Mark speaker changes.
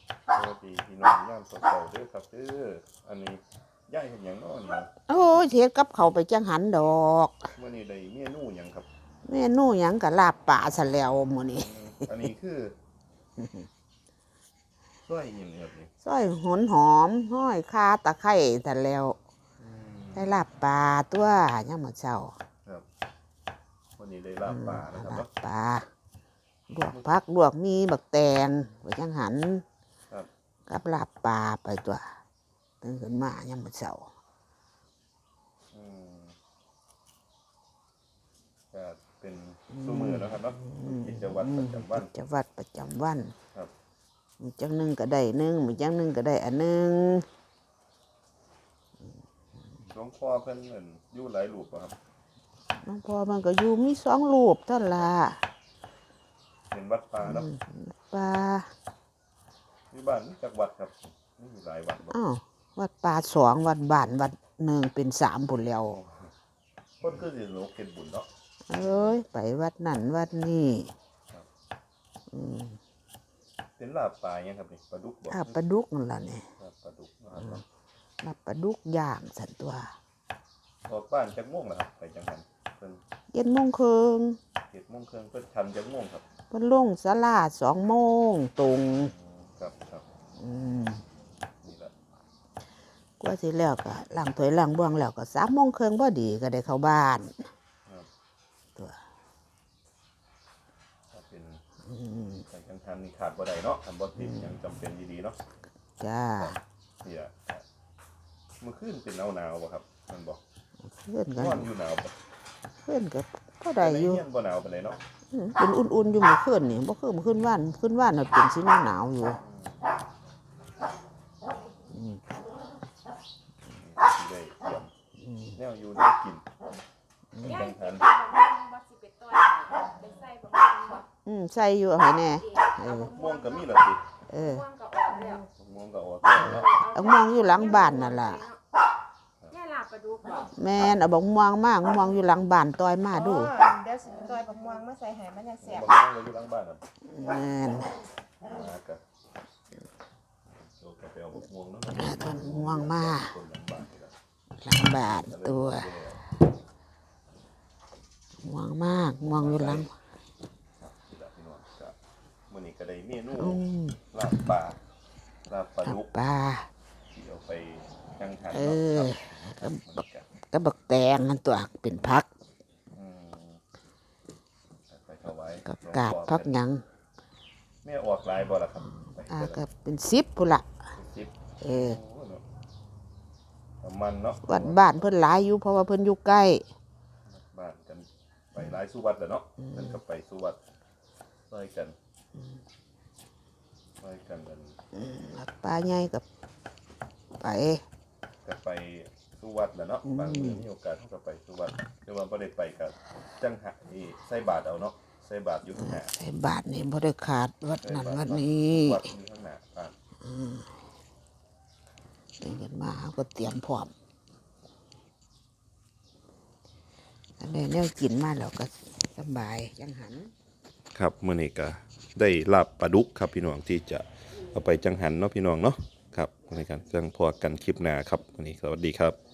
Speaker 1: สวัสดีพี่น้องย่ามเช้าๆเด้อครับเด้ออันนี้ย่ายเห็นหยังน้อนี่
Speaker 2: โอ้ยเฮ็ดกับเขาวไปจังหันดอก
Speaker 1: มื้อนี้ได้เมนูหยังครับ
Speaker 2: เมนูหยังก็ลาบป่าซะแล้วมื้อนี้
Speaker 1: อันนี้คือซอยหยังครับนี่
Speaker 2: ซอยหนหอมห้อยคาตะไคร้ซะแล้วได้ลาบป่าตัวยามมื้อเช้า
Speaker 1: ครับวันนี้ได้ลาบปลานะครับ
Speaker 2: ลา
Speaker 1: เนาะ
Speaker 2: บป่าลวกผักลวกมีบักแตงไปจังหัน
Speaker 1: ครับ
Speaker 2: กับลาบป่าไปตัวตื่นขึ้นมายามมื้อเช้า
Speaker 1: อืมก็เป็นซุมื้อแล้วครับเนาะกิจวัตรประจำวัน
Speaker 2: กิจวัตรประจำวัน
Speaker 1: ครับ
Speaker 2: มื้อจังหนึงก็ได้หนึงมื้อจังหนึงก็ได้อันหนึง
Speaker 1: หลวงพ่อเพิ่นเหมือนอยู่หลายรูปบ่ครับ
Speaker 2: หลวงพ่อมันก็อยู่มี2รูปเท่านั้นล่ะ
Speaker 1: เป็นวัดป่าเนาะ
Speaker 2: ป่า
Speaker 1: อยู่บ้านมีจักวัดครับมีหลายวัดบ่
Speaker 2: อ้าววัดป่า2วัดบ้านวัด1เป็น3พุ่นแล้ว
Speaker 1: เพิ่นคือสิโลกเฮ็ดบุญเนาะ
Speaker 2: เอ้ยไปวัดนั่นวัดนี้
Speaker 1: เป็นลาบปลาหยังครับนี่ปลาดุกบ่
Speaker 2: ลาบปลาดุกนั่นล่ะนี่
Speaker 1: ลาบปลาดุกนะครับเนาะ
Speaker 2: ลาบปลาดุกย่างสันตัว
Speaker 1: ออกบ้านจักโมงล่ะครับไปจังหันเพิ่น
Speaker 2: 7:30น
Speaker 1: 7:30นเพิ่นทันจักโมงครับ
Speaker 2: เพิ่นลงศาลา2โมงตรง
Speaker 1: ครับครับ
Speaker 2: อืม
Speaker 1: นี่ล่ะ
Speaker 2: กว่าสิแล้วก็ล้างถ้วยล้างบ้วงแล้วก็3:30นพอดีก็ได้เข้าบ้าน
Speaker 1: ครับ
Speaker 2: ตัว
Speaker 1: ถ้าเป็นไปจังหันนี่ขาดบ่ได้เนาะทำบ่ติดยังจำเป็นดีๆเนาะ
Speaker 2: จ้า
Speaker 1: นี่ล่ะเมื่อคืนเป็นหนาวๆบ่ครับมันบ่
Speaker 2: เพื่อนกัน
Speaker 1: นอนอยู่หนาวบ่
Speaker 2: เพื่อนก็พอได้อยู่
Speaker 1: ในเฮียนบ่หนาวปานใดเนาะ
Speaker 2: เป็นอุ่นๆอยู่เมื่อคืนนี่บ่คือเมื่อคืนว่านน่ะเป็นสิหนาวๆอยู่
Speaker 1: สิได้เตรียมแนวอยู่ได้กินจังหัน
Speaker 2: ใส่อยู่เอาให้แน่เออ
Speaker 1: ม่วงก็มีแล้วสิ
Speaker 2: เออ
Speaker 1: ม่วงก็ออกแล้วเนาะ
Speaker 2: เอามองอยู่หลังบ้านนั่นล่ะ
Speaker 3: ย่าลาบปลาดุกบ่
Speaker 2: แม่นเอาบักม่วงมากม่วงอยู่หลังบ้านต่อยมาดู
Speaker 3: เดี๋ยวสิซอยบักม่วงมาใส่ให้มันจะแซ่บ
Speaker 1: บ่ม่วงก็อยู่หลังบ้านน่ะ
Speaker 2: แม่น
Speaker 1: ก็โตก็ไปเอาม่วงเนาะ
Speaker 2: ต้นม่วงมา
Speaker 1: คนหลังบ้านนี่ล่ะ
Speaker 2: หลังบ้านตัวม่วงมากม่วงอยู่หลัง
Speaker 1: นี่ล่ะพี่น้องก็มื้อนี้ก็ได้เมนู
Speaker 2: อืม
Speaker 1: ลาบปลาลาบปลา
Speaker 2: กับ
Speaker 1: ดุก
Speaker 2: ปลา
Speaker 1: ที่เอาไปจังหัน
Speaker 2: เอ
Speaker 1: เนาะ
Speaker 2: อ
Speaker 1: ครับมันก็
Speaker 2: ก็บักแตงนั่นตัวเป็นพัก
Speaker 1: อืมไปถวาย
Speaker 2: กับกาบพักหยัง
Speaker 1: แม่ออกหลายบ่ล่ะครับไป
Speaker 2: ก็เป็น10พุ่นล่ะ
Speaker 1: 10
Speaker 2: เออ
Speaker 1: โอ้เนาะประมาณเนาะ
Speaker 2: วัดบ้านเพิ่นหลายอยู่เพราะว่าเพิ่นอยู่ใกล้
Speaker 1: บ้านกันไปหลายสุวัดแล้วเนาะมันก็ไปสุวัดซอยกันซอยกันกัน
Speaker 2: วัดป่าใหญ่กับไป
Speaker 1: ก็ไปสุวัดแล้วเนาะบางมื้อมีโอกาสเฮาก็ไปสุวัดแต่ว่าบ่ได้ไปก็จังหะนี่ใส่บาตรเอาเนาะใส่บาตรอยู่ข้างหน้า
Speaker 2: ใส่บาทนี่บ่ได้ขาดวัดนั้นวัดนี้
Speaker 1: วัดอยู่ข้างหน้าบ้าน
Speaker 2: ตื่นขึ้นมาเขาก็เตรียมพร้อมอันนี้แนวกินมาแล้วก็สบายจังหัน
Speaker 1: ครับมื้อนี้ก็ได้ลาบปลาดุกครับพี่น้องที่จะเอาไปจังหันเนาะพี่น้องเนาะครับในการจังพอกันคลิปหน้าครับวันนี้สวัสดีครับ